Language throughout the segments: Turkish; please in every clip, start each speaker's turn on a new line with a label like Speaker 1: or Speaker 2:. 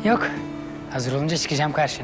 Speaker 1: Yok. Hazır olunca çıkacağım karşına.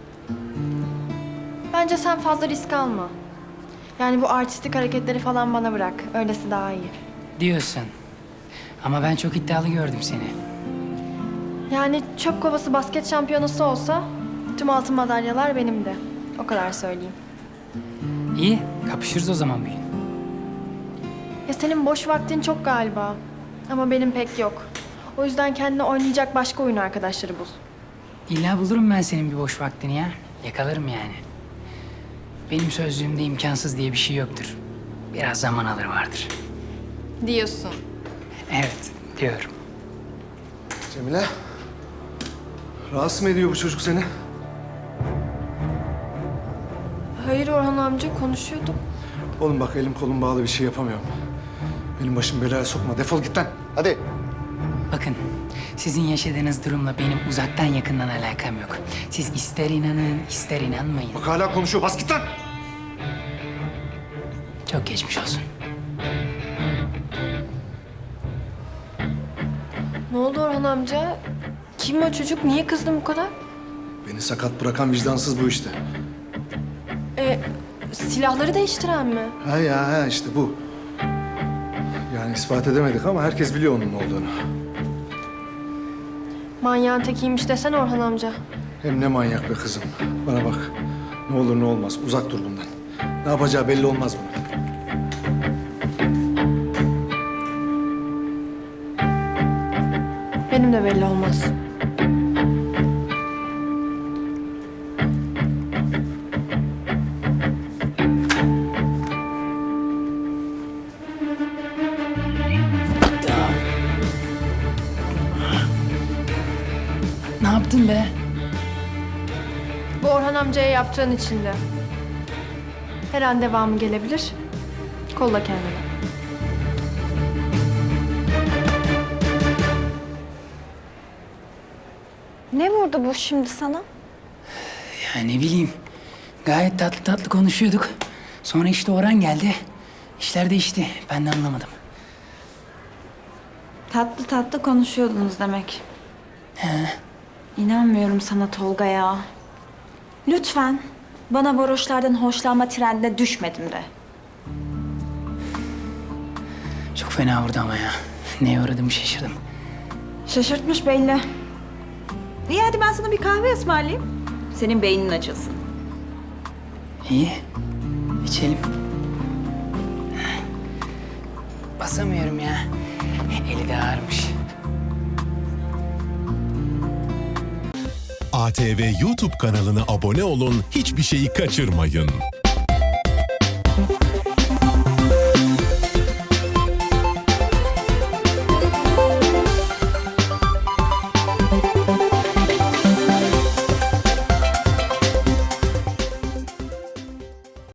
Speaker 2: Bence sen fazla risk alma. Yani bu artistik hareketleri falan bana bırak. Öylesi daha iyi.
Speaker 1: Diyorsun. Ama ben çok iddialı gördüm seni.
Speaker 2: Yani çöp kovası basket şampiyonası olsa tüm altın madalyalar benim de. O kadar söyleyeyim.
Speaker 1: İyi, kapışırız o zaman bir gün.
Speaker 2: Ya senin boş vaktin çok galiba. Ama benim pek yok. O yüzden kendine oynayacak başka oyun arkadaşları bul.
Speaker 1: İlla bulurum ben senin bir boş vaktini ya. Yakalarım yani. Benim sözlüğümde imkansız diye bir şey yoktur. Biraz zaman alır vardır.
Speaker 2: Diyorsun.
Speaker 1: Evet, diyorum.
Speaker 3: Cemile. Rahatsız mı ediyor bu çocuk seni?
Speaker 2: Hayır Orhan amca, konuşuyorduk.
Speaker 3: Oğlum bak elim kolum bağlı bir şey yapamıyorum. Benim başımı belaya sokma. Defol git lan. Hadi.
Speaker 1: Bakın, sizin yaşadığınız durumla benim uzaktan yakından alakam yok. Siz ister inanın, ister inanmayın.
Speaker 3: Bak hala konuşuyor. Bas git lan.
Speaker 1: Çok geçmiş olsun.
Speaker 2: Ne oldu Orhan amca? Kim o çocuk? Niye kızdın bu kadar?
Speaker 3: Beni sakat bırakan vicdansız bu işte.
Speaker 2: Silahları değiştiren mi?
Speaker 3: Ha işte bu. Yani ispat edemedik ama herkes biliyor onun ne olduğunu.
Speaker 2: Manyağın tekiymiş desene Orhan amca.
Speaker 3: Hem ne manyak be kızım. Bana bak. Ne olur ne olmaz. Uzak dur bundan. Ne yapacağı belli olmaz bunun.
Speaker 2: Benim de belli olmaz.
Speaker 1: Ne yaptın be?
Speaker 2: Bu Orhan amcaya yaptığın için de. Her an devamı gelebilir. Kolla kendini.
Speaker 4: Ne vurdu bu şimdi sana?
Speaker 1: Ya ne bileyim. Gayet tatlı tatlı konuşuyorduk. Sonra işte Orhan geldi. İşler değişti. Ben de anlamadım.
Speaker 4: Tatlı tatlı konuşuyordunuz demek. İnanmıyorum sana Tolga ya. Lütfen bana varoşlardan hoşlanma trendine düşmedim de.
Speaker 1: Çok fena vurdu ama ya. Neye uğradığımı şaşırdım.
Speaker 4: Şaşırtmış belli. İyi hadi ben sana bir kahve ısmarlayayım. Senin beynin açılsın.
Speaker 1: İyi. İçelim. Basamıyorum ya. Eli de ağırmış.
Speaker 5: ATV YouTube kanalına abone olun, hiçbir şeyi kaçırmayın.